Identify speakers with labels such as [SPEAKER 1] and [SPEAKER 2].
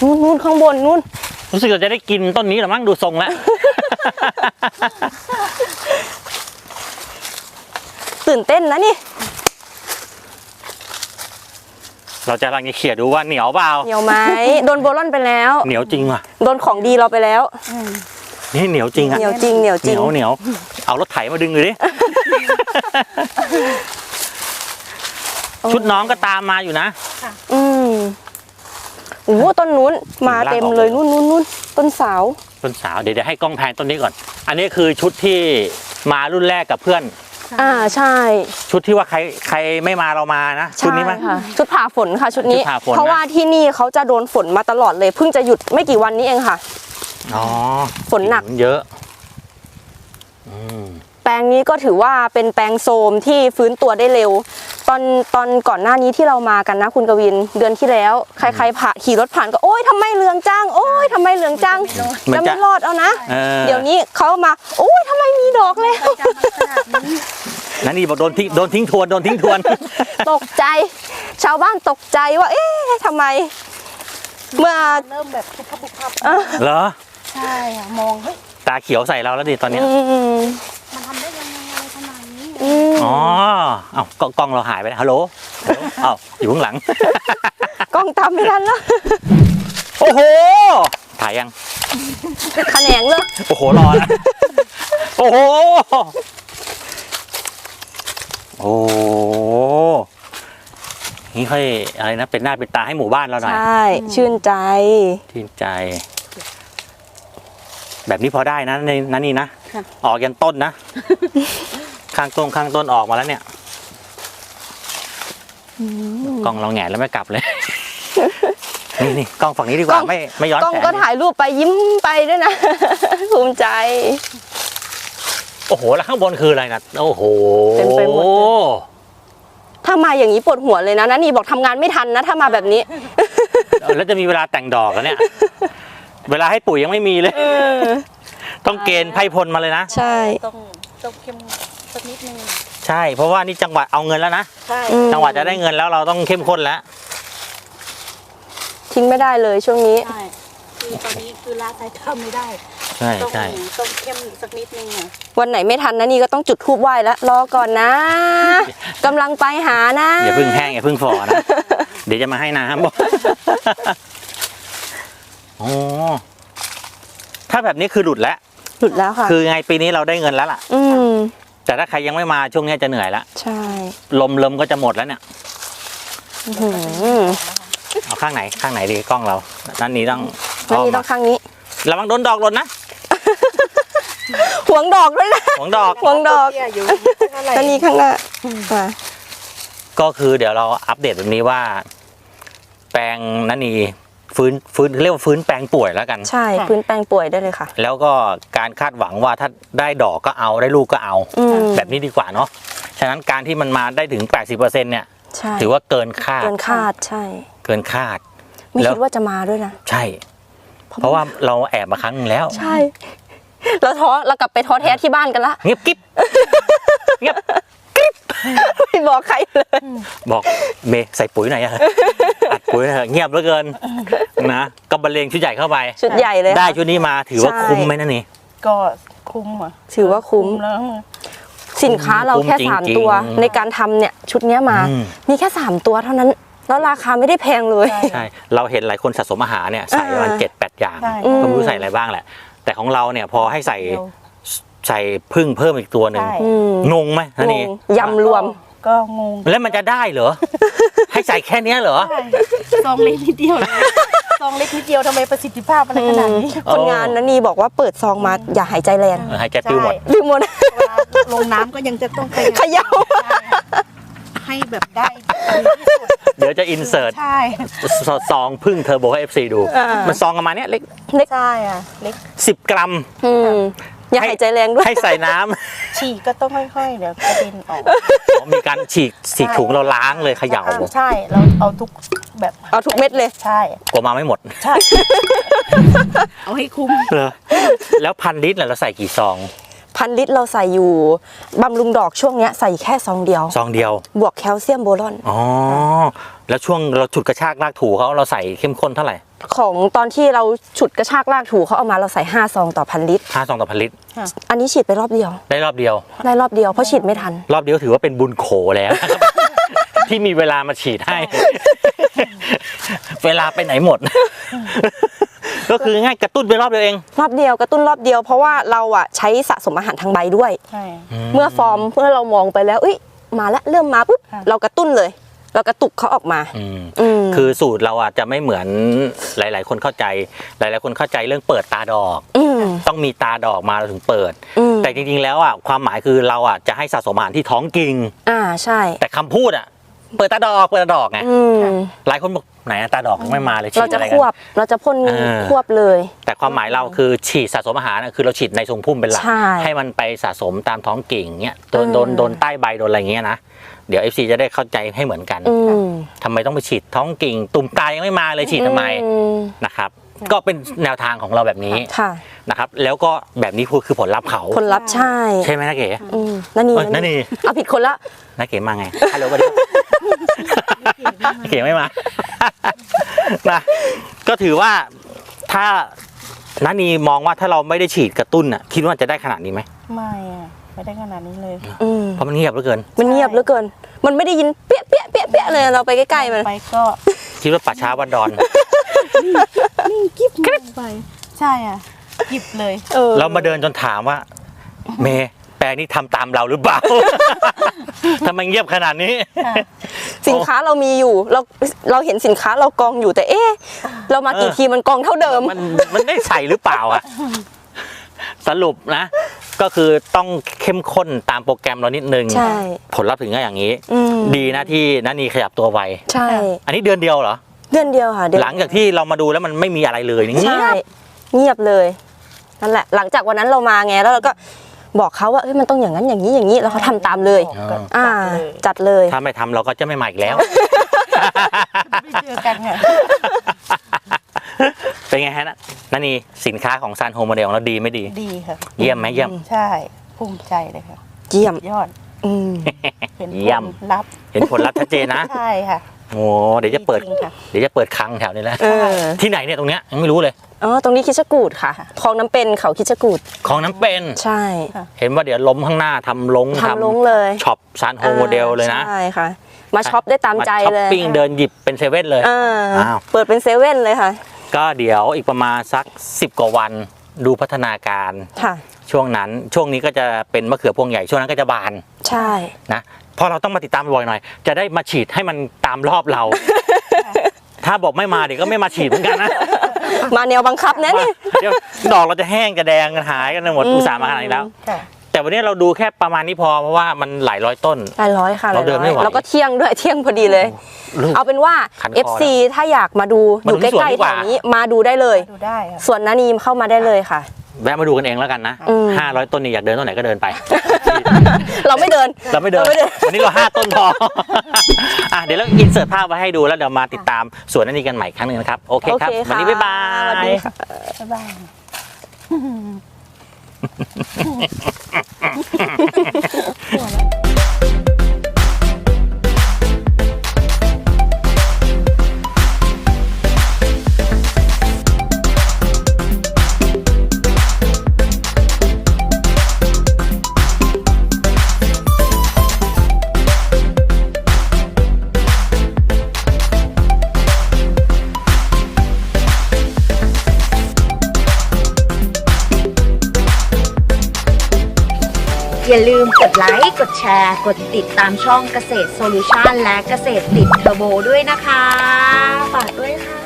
[SPEAKER 1] นู่นข้างบนนู่น
[SPEAKER 2] รู้สึกเราจะได้กินต้นนี้หรือมั้งดูทรงแล้ว
[SPEAKER 1] ตื่นเต้นนะนี่
[SPEAKER 2] เราจะกำลังจะเขี่ยดูว่าเหนียวเปล่า
[SPEAKER 1] เหนียวไหมโดนโบลอนไปแล้ว
[SPEAKER 2] เหนียวจริงอ่ะ
[SPEAKER 1] โดนของดีเราไปแล้ว
[SPEAKER 2] นี่เหนียวจริงอ่ะ
[SPEAKER 1] เหนียวจริงเหนียวจริง
[SPEAKER 2] เหนียวเอารถไถมาดึงเลยดิ ชุดน้องก็ตามมาอยู่นะ
[SPEAKER 1] โอ้ต้นนู้นมาเต็มเลยนู่นต้นสาว
[SPEAKER 2] เดี๋ยวให้กล้องแพนต้นนี้ก่อน อันนี้คือชุดที่มารุ่นแรกกับเพื่อน
[SPEAKER 1] ใช่
[SPEAKER 2] ชุดที่ว่าใครไม่มาเรามานะชุดนี้มั้ย
[SPEAKER 1] ชุดผ่าฝนค่ะชุดนี้เพราะว่าที่นี่เขาจะโดนฝนมาตลอดเลยเพิ่งจะหยุดไม่กี่วันนี้เองค่ะฝนหนัก
[SPEAKER 2] เยอะ
[SPEAKER 1] แปลงนี้ก็ถือว่าเป็นแปลงโทรมที่ฟื้นตัวได้เร็วตอนก่อนหน้านี้ที่เรามากันนะคุณกวินเดือนที่แล้วใครๆขี่รถผ่านก็โอ๊ยทำไมเหลืองจังโอ๊ยทำไมเหลืองจังจะไม่รอดเอานะเดี๋ยวนี้เขามาโอ๊ยทำไมมีดอกเลย
[SPEAKER 2] นั่นนี่บอกโดนทิ้งทวน
[SPEAKER 1] ตกใจชาวบ้านตกใจว่าเอ๊ะทำไมเมื่อ
[SPEAKER 3] เริ่มแบบบุบพับ
[SPEAKER 2] เหรอ
[SPEAKER 3] ใช่ค่ะมองเฮ้ย
[SPEAKER 2] ตาเขียวใส่เราแล้วดิตอนนี้
[SPEAKER 3] มันทำได้ยังไงขนาดนี้
[SPEAKER 2] อ๋อเอ้ากล้องเราหายไปฮัลโหลเอ้าอยู่ข้างหลัง
[SPEAKER 1] กล้องตามไม่ทันแล้ว
[SPEAKER 2] โอ้โหถ่ายยัง
[SPEAKER 1] ขแขนงเลย
[SPEAKER 2] โอ้โหรอนะโอ้โหโอ้นี่ค่อยอะไรนะเป็นหน้าเป็นตาให้หมู่บ้านเราหน่อย
[SPEAKER 1] ใช่ชื่นใจ
[SPEAKER 2] แบบนี้พอได้นะในนั้นนี่นะออกยันต้นนะข้างต้นออกมาแล้วเนี่ยกล้องเราแหงนแล้วไม่กลับเลยนี่กล้องฝั่งนี้ดีกว่าไม่ย้อนแสง
[SPEAKER 1] กล้องก็ถ่ายรูปไปยิ้มไปด้วยนะภูมิใจ
[SPEAKER 2] โอ้โหแล้วข้างบนคืออะไรนะโอ้โห
[SPEAKER 1] เต็มไปหมดถ้ามาอย่างนี้ปวดหัวเลยนะนี่บอกทำงานไม่ทันนะถ้ามาแบบนี้
[SPEAKER 2] แล้วจะมีเวลาแต่งดอกแล้วเนี่ยเวลาให้ปุ๋ยยังไม่มีเลยต้องเกณฑ์ไพ่พลมาเลยนะ
[SPEAKER 1] ใช่
[SPEAKER 3] ต้องเข้มสักนิดนึง
[SPEAKER 2] ใช่เพราะว่านี่จังหวะเอาเงินแล้วนะจังหวะจะได้เงินแล้วเราต้องเข้มข้นแล้ว
[SPEAKER 1] ทิ้งไม่ได้เลยช่วงนี้
[SPEAKER 3] ใช่คือตอนนี้คือละสายทำไม่ได้
[SPEAKER 2] ใช่
[SPEAKER 3] ต้องเข้มสักนิดนึง
[SPEAKER 1] วันไหนไม่ทันนะนี่ก็ต้องจุดธูปไหว้แล้วรอก่อนนะกำลังไปหานะ
[SPEAKER 2] อย่าพึ่งแห้งอย่าพึ่งฝ่อนะเดี๋ยวจะมาให้น้ำบอกอ๋อถ้าแบบนี้คือหลุดแล้ว
[SPEAKER 1] ค่ะ
[SPEAKER 2] คือไงปีนี้เราได้เงินแล้วล่ะแต่ถ้าใครยังไม่มาช่วงนี้จะเหนื่อยแล้ว
[SPEAKER 1] ใช่
[SPEAKER 2] ลมก็จะหมดแล้วเนี่ยเอาข้างไหนดีกล้องเรานั่นนี้ต้อง
[SPEAKER 1] ข้างนี้
[SPEAKER 2] ระวังโดนดอกหล่นนะ
[SPEAKER 1] ห่วงดอกด้วยนะ
[SPEAKER 2] ห่วงดอก
[SPEAKER 1] นั่นนี้ข้างหน้า
[SPEAKER 2] ก็คือเดี๋ยวเราอัปเดตแบบนี้ว่าแปลงนั่นนี่ฟื้นเรียกว่าฟื้นแปลงป่วยแล้วกัน
[SPEAKER 1] ใช่ฟื้นแปลงป่วยได้เลยค่ะ
[SPEAKER 2] แล้วก็การคาดหวังว่าถ้าได้ดอกก็เอาได้ลูกก็เอาแบบนี้ดีกว่าเนาะฉะนั้นการที่มันมาได้ถึง 80% เนี่ยถือว่าเกินคาด
[SPEAKER 1] ใช่
[SPEAKER 2] เกินคาด
[SPEAKER 1] ไม่คิดว่าจะมาด้วยนะ
[SPEAKER 2] ใช่เพราะว่าเราแอบมาครั้งนึงแล้ว
[SPEAKER 1] ใช่เรากลับไปท้อแท้ที่บ้านกันละ
[SPEAKER 2] เงียบกิ๊บ
[SPEAKER 1] ไม่บอกใครเลย
[SPEAKER 2] บอกเมย์ใส่ปุ๋ยหน่อยอัดปุ๋ยหน่อยเงียบเหลือเกินนะก็บรรเลงชุดใหญ่เข้าไป
[SPEAKER 1] ชุดใหญ่เลย
[SPEAKER 2] ได้ชุดนี้มาถือว่าคุ้มไหมนั่นนี่
[SPEAKER 3] ก็คุ้มอ่ะ
[SPEAKER 1] ถือว่าคุ้มแล้วสินค้าเราแค่3ตัวในการทำเนี่ยชุดนี้มามีแค่3ตัวเท่านั้นแล้วราคาไม่ได้แพงเลย
[SPEAKER 2] ใช่เราเห็นหลายคนสะสมอาหารเนี่ยใส่ประมาณ 7-8 อย่างก็ไม่รู้ใส่อะไรบ้างแหละแต่ของเราเนี่ยพอให้ใส่พึ่งเพิ่มอีกตัวหนึ่งงงไหมนั่นนี่
[SPEAKER 1] ยำรวม
[SPEAKER 3] ก็งง
[SPEAKER 2] แล้วมันจะได้เหรอให้ใส่แค่นี้เหรอ
[SPEAKER 3] ซองเล็กนิดเดียวซองเล็กนิดเดียวทำไมประสิทธิภาพอะไรขนาดนี้
[SPEAKER 1] คนงานนั่นนี่บอกว่าเปิดซองมาอย่าหายใจแรง
[SPEAKER 2] หายใจปิวหมด
[SPEAKER 3] ลงน้ำก็ยังจะต้อง
[SPEAKER 1] เขย่า
[SPEAKER 3] ให้แบบได้
[SPEAKER 2] เดี๋ยวจะอินเสิร์ตซองพึ่งเทอร์โบให้ FC ดูมันซองประมาณนี้เล็ก
[SPEAKER 3] ใช่อ่ะเล็ก
[SPEAKER 2] 10 กรัม
[SPEAKER 1] อย่าหายใจแรงด้วย
[SPEAKER 2] ให้ใส่น้ำ
[SPEAKER 3] ฉีกก็ต้องค่อยๆเดี๋ยวกระเด็นออก
[SPEAKER 2] มีการฉีกถุงเราล้างเลยเขย่า
[SPEAKER 3] ใช่เราเอาทุกแบบ
[SPEAKER 1] เอาทุกเม็ดเลย
[SPEAKER 3] ใช่
[SPEAKER 2] กลัวมาไม่หมด
[SPEAKER 3] ใช่เอาให้คุ้ม
[SPEAKER 2] แล้ว1,000 ลิตรเราใส่กี่ซอง
[SPEAKER 1] 1,000 ลิตรเราใส่อยู่บำรุงดอกช่วงเนี้ยใส่แค่ซองเดียว
[SPEAKER 2] ซองเดียว
[SPEAKER 1] บวกแคลเซียมโบรอน
[SPEAKER 2] อ๋อแล้วช่วงเราฉุดกระชากลากถูเขาเราใส่เข้มข้นเท่าไหร่
[SPEAKER 1] ของตอนที่เราฉุดกระชากลากถูเขาเอามาเราใส่5ซองต่อ1,000 ลิตร
[SPEAKER 2] 5 ซองต่อพันลิตร
[SPEAKER 1] อันนี้ฉีดไปรอบเดียว
[SPEAKER 2] ได้รอบเดียว
[SPEAKER 1] ได้รอบเดียวเพราะฉีดไม่ทัน
[SPEAKER 2] รอบเดียวถือว่าเป็นบุญโขแล้วนะครับ ที่มีเวลามาฉีดให้ เวลาไปไหนหมด ก็คือง่ายกระตุ้นไปรอบเดียวเอง
[SPEAKER 1] รอบเดียวกระตุ้นรอบเดียวเพราะว่าเราอ่ะใช้สะสมอาหารทางใบด้วย
[SPEAKER 3] ใช่
[SPEAKER 1] เมื่อฟอร์มเมื่อเรามองไปแล้วเอ้ยมาแล้วเริ่มมาปุ๊บ
[SPEAKER 3] ค่ะ
[SPEAKER 1] เรากระตุ้นเลย เรากระตุกเขาออกมา ม
[SPEAKER 2] คือสูตรเราอาจจะไม่เหมือนหลาย ๆ คนเข้าใจ หลาย ๆ คนเข้าใจเรื่องเปิดตาดอก
[SPEAKER 1] อืม
[SPEAKER 2] ต้องมีตาดอกมาเราถึงเปิด
[SPEAKER 1] อืม
[SPEAKER 2] แต่จริง ๆ แล้วอ่ะความหมายคือเราอ่ะจะให้สะสมอาหารที่ท้องกิ่ง
[SPEAKER 1] ใช่
[SPEAKER 2] แต่คำพูดอ่ะ เปิดตาดอกเปิดตาดอกไง
[SPEAKER 1] อืม
[SPEAKER 2] หลายคนบอกไหนอะตาดอกยังไม่มาเลยฉี
[SPEAKER 1] เรา
[SPEAKER 2] ด
[SPEAKER 1] จะ
[SPEAKER 2] อะไร
[SPEAKER 1] ค
[SPEAKER 2] กัน
[SPEAKER 1] วบเราจะพ่น
[SPEAKER 2] อ่า
[SPEAKER 1] ควบเลย
[SPEAKER 2] แต่ความหมายเราคือฉีดสะสมอาหารน่ะคือเราฉีดในทรงพุ่มเป็นหลัก
[SPEAKER 1] ใช่
[SPEAKER 2] ให้มันไปสะสมตามท้องกิ่งเงี้ยโดน
[SPEAKER 1] อืม
[SPEAKER 2] โดนใต้ใบโดนอะไรเงี้ยนะเดี๋ยว FC จะได้เข้าใจให้เหมือนกัน
[SPEAKER 1] อืม
[SPEAKER 2] ทำไมต้องไปฉีดท้องกิ่ง ตุ่มตายังไม่มาเลยฉีดทำไม
[SPEAKER 1] อืม
[SPEAKER 2] นะครับ ก็เป็นแนวทางของเราแบบนี้
[SPEAKER 1] ค่ะ
[SPEAKER 2] นะครับ แล้วก็แบบนี้คือผลลัพธ์เขา
[SPEAKER 1] ผลลัพธ์ใช่
[SPEAKER 2] ใช่ไหมนะเก๋
[SPEAKER 1] นั่นนี่
[SPEAKER 2] เอ้ยนั่นนี่
[SPEAKER 1] เอาผิดคนละ
[SPEAKER 2] นะเก๋มาไงฮัลโหลสวัสดีครับเก๋ไม่มา นะก็ถือว่าถ้านันนีมองว่าถ้าเราไม่ได้ฉีดกระตุ้นอ่ะคิดว่าจะได้ขนาดนี้ไหม
[SPEAKER 3] ไม่อะไม่ได้ขนาดนี้เลย
[SPEAKER 1] อืม
[SPEAKER 2] เพราะมันเงียบเหลือเกิน
[SPEAKER 1] มันเงียบเหลือเกิน มันไม่ได้ยินเปี้ยเปี้ยเปี้ยเปี้ยเลยเราไปใกล้ๆมัน
[SPEAKER 3] ไปก็
[SPEAKER 2] คิดว่าป่าช้าวัดดอน
[SPEAKER 3] นิ่งกิ๊บมากไป ใช่อ่ะกิบเลย
[SPEAKER 2] เรามาเดินจนถามว่า เมย์แปลงนี้ทำตามเราหรือเปล่า ทำไมเงียบขนาดนี้
[SPEAKER 1] สินค้าเรามีอยู่เราเห็นสินค้าเรากองอยู่แต่เอ๊ะเรามากี่ทีมันกองเท่าเดิม
[SPEAKER 2] มันได้ใส่หรือเปล่าอ่ะ สรุปนะ ก็คือต้องเข้มข้นตามโปรแกรมเรานิดนึง
[SPEAKER 1] ใช่
[SPEAKER 2] ผลลัพธ์ถึงก็อย่างนี้
[SPEAKER 1] อืม
[SPEAKER 2] ดีนะที่นันนีขยับตัวไว
[SPEAKER 1] ใช่
[SPEAKER 2] อันนี้เดือนเดียวเหรอ
[SPEAKER 1] เดือนเดียวค่ะเดือน
[SPEAKER 2] หลังจากที่เรามาดูแล้วมันไม่มีอะไรเลยนี่
[SPEAKER 1] ใช่เงียบเลยนั่นแหละ หลังจากวันนั้นเรามาไงแล้วเราก็บอกเขาว่าเฮ้ยมันต้องอย่างนั้นอย่างนี้อย่างนี้แล้วเขาทำตามเลย อ่า จัดเลย
[SPEAKER 2] ถ้าไม่ทำเราก็จะไม่มาอีกแล้ว
[SPEAKER 3] ไม่เจอกันค่ะ
[SPEAKER 2] เป็นไงฮะนันนีสินค้าของซันโฮมโมเดลของเราดีไม่ดี
[SPEAKER 3] ดีค่ะ
[SPEAKER 2] เยี่ยมไหมเยี่ยม
[SPEAKER 3] ใช่ภูมิใจเลยค่ะ
[SPEAKER 1] เยี่ยม
[SPEAKER 3] ยอด
[SPEAKER 1] อืม
[SPEAKER 3] เป็น
[SPEAKER 2] เยี่ยม
[SPEAKER 3] ผลลัพธ์
[SPEAKER 2] เห็นผลลัพธ์ชัดเจนนะ
[SPEAKER 3] ใช่ค่ะ
[SPEAKER 2] โอ้เดี๋ยวจะเปิด
[SPEAKER 3] จริงๆค่ะ
[SPEAKER 2] เดี๋ยวจะเปิดคลังแถวนี้แล้ว
[SPEAKER 1] เออ
[SPEAKER 2] ที่ไหนเนี่ยตรงเนี้ยยังไม่รู้เลย
[SPEAKER 1] อ๋อตรงนี้คิดชะกูดค่ะคลองน้ำเป็นเขาคิดชะกูด
[SPEAKER 2] ของน้ำเป็น
[SPEAKER 1] ใช่
[SPEAKER 2] เห็นว่าเดี๋ยวล้มข้างหน้าทำลง
[SPEAKER 1] ทำลงเลย
[SPEAKER 2] ช็อปซันโฮมโมเดลเลยนะ
[SPEAKER 1] ใช่ค่ะ มาช็อปได้ตามใจ
[SPEAKER 2] ช้อป
[SPEAKER 1] เลย
[SPEAKER 2] ปิ้งเดินหยิบเป็นเซเว่นเลย
[SPEAKER 1] อ่า
[SPEAKER 2] อ้าว
[SPEAKER 1] เปิดเป็นเซเว่นเลยค่ะ
[SPEAKER 2] ก็เดี๋ยวอีกประมาณสัก10 กว่าวันดูพัฒนาการ
[SPEAKER 1] ค่ะ
[SPEAKER 2] ช่วงนั้นช่วงนี้ก็จะเป็นมะเขือพวงใหญ่ช่วงนั้นก็จะบาน
[SPEAKER 1] ใช่
[SPEAKER 2] นะเพราะเราต้องมาติดตามบ่อยหน่อย จะได้มาฉีดให้มันตามรอบเรา ถ้าบอกไม่มาเดี๋ยวก็ไม่มาฉีดเหมือนกันนะ
[SPEAKER 1] มาแนวบังคับนะนี่
[SPEAKER 2] เดี๋ยวดอกเราจะแห้งจะแดงกันหายกันหมดอุตส่าห์มาขนาดนี้แล้ว
[SPEAKER 3] ค่ะ
[SPEAKER 2] แต่วันนี้เราดูแค่ประมาณนี้พอเพราะว่ามันหลายร้อยต้น
[SPEAKER 1] หลายร้อยค่ะ
[SPEAKER 2] เราเดินไม่ไหว
[SPEAKER 1] แล้วก็เที่ยงด้วยเที่ยงพอดีเลย
[SPEAKER 2] ลูก
[SPEAKER 1] เอาเป็นว่า
[SPEAKER 2] ขันคอ
[SPEAKER 1] FC ถ้าอยากมาดูอ
[SPEAKER 2] มาดู
[SPEAKER 1] ยู่ใก
[SPEAKER 2] ที่สวน
[SPEAKER 1] ล้
[SPEAKER 2] ดี
[SPEAKER 1] ๆ
[SPEAKER 2] ก
[SPEAKER 1] แถ
[SPEAKER 2] ว่า
[SPEAKER 1] วนี้มาดูได้เลย
[SPEAKER 3] ดูได้ค่ะ
[SPEAKER 1] ส่วนนานีมเข้ามาได้เลยค่ะ
[SPEAKER 2] แวะมาดูกันเองแล้วกันนะ
[SPEAKER 1] อืม
[SPEAKER 2] 500 ต้นนี่อยากเดินต้นไหนก็เดินไป
[SPEAKER 1] เราไม่เดิน
[SPEAKER 2] เราไม่เดิน
[SPEAKER 1] เราไม่เดิน
[SPEAKER 2] วันนี้เรา5 ต้นพอ อ่ะเดี๋ยวเราอินเสิร์ตภาพไว้ให้ดูแล้วเดี๋ยวมาติดตามสวนอันนี้กันใหม่อีกครั้งหนึ่งนะครับ โอเคครับ
[SPEAKER 1] โอเคค่ะ
[SPEAKER 2] วันนี้บ๊ายบา
[SPEAKER 1] สวัส
[SPEAKER 2] ย
[SPEAKER 1] ดีค่ะ
[SPEAKER 3] บ๊ายบาย
[SPEAKER 4] อย่าลืมกดไลค์ กดแชร์ กดติดตามช่องเกษตรโซลูชันและเกษตรติดเทอร์โบด้วยนะคะ ฝากด้วยค่ะ